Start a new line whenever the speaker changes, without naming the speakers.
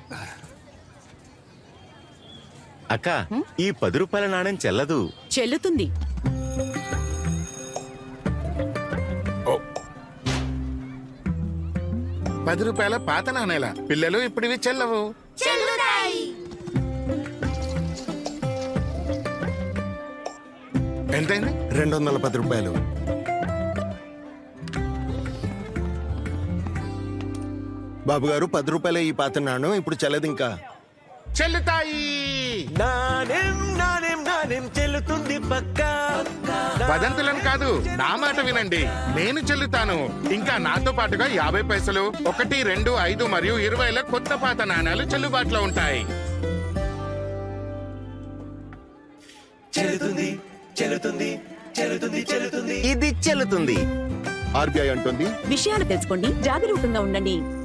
అక్క, ఈ 10 రూపాయల నాణ్యం చెల్లదు.
చెల్లుతుంది.
ఓ, 10 రూపాయల పాత నాణేల పిల్లలు ఇప్పుడు ఇవి చెల్లవు. ఎంతైంది?
210 రూపాయలు. బాబు గారు 10 రూపాయలే ఈ పాత నాణ్యం, ఇప్పుడు చెల్లదు ఇంకా.
చెల్లుతాయి.
నాణ్యం నాణ్యం నాణ్యం చెల్లుతుంది పక్కా.
వదంతులను కాదు, నా మాట వినండి. నేను చెల్లుతాను. ఇంకా నాతో పాటుగా 50 పైసలు, 1, 2, 5 మరియు 20ల కొత్త పాత నాణాలు చెల్లుబాటులో ఉంటాయి.
చెల్లుతుంది చెల్లుతుంది చెల్లుతుంది చెల్లుతుంది. ఇది చెల్లుతుంది.
ఆర్బీఐ అంటుంది,
విషయాలు తెలుసుకోండి, జాగరూకంగా ఉండండి.